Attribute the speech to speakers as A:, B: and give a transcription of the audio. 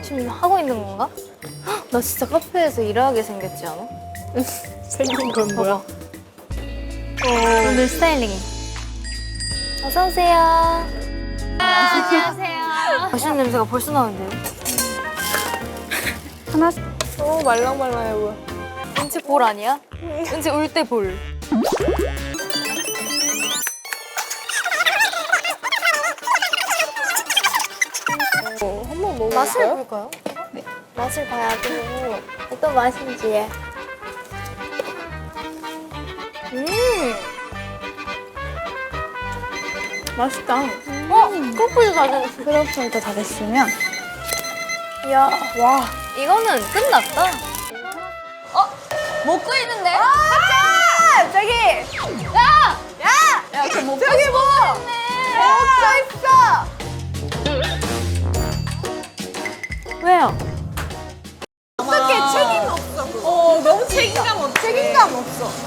A: 지금 하고 있는 건가? 헉, 나 진짜 카페에서 일하게 생겼지 않아?
B: 생긴 건 뭐야?
A: 오늘 스타일링이. 어서 오세요. 안녕하세요. 맛있는 냄새가 벌써 나는데요?
B: 하나. 말랑말랑해 보여.
A: 은채 볼 아니야? 은채 울 때 볼.
B: 한번 먹어볼까요?
A: 맛을 볼까요? 네. 맛을 봐야지. 어떤 맛인지.
B: 맛있다.
A: 크로플도 다 됐어.
B: 크로플도 다 됐으면.
A: 이야,
B: 와.
A: 이거는 끝났다.
C: 먹고 있는데?
B: 저기!
C: 야! 그 먹고
B: 저기 뭐! 먹고 있어!
A: 왜요?
B: 어떻게 책임 없어, 그거. 너무 책임감 없어. 책임감 없어.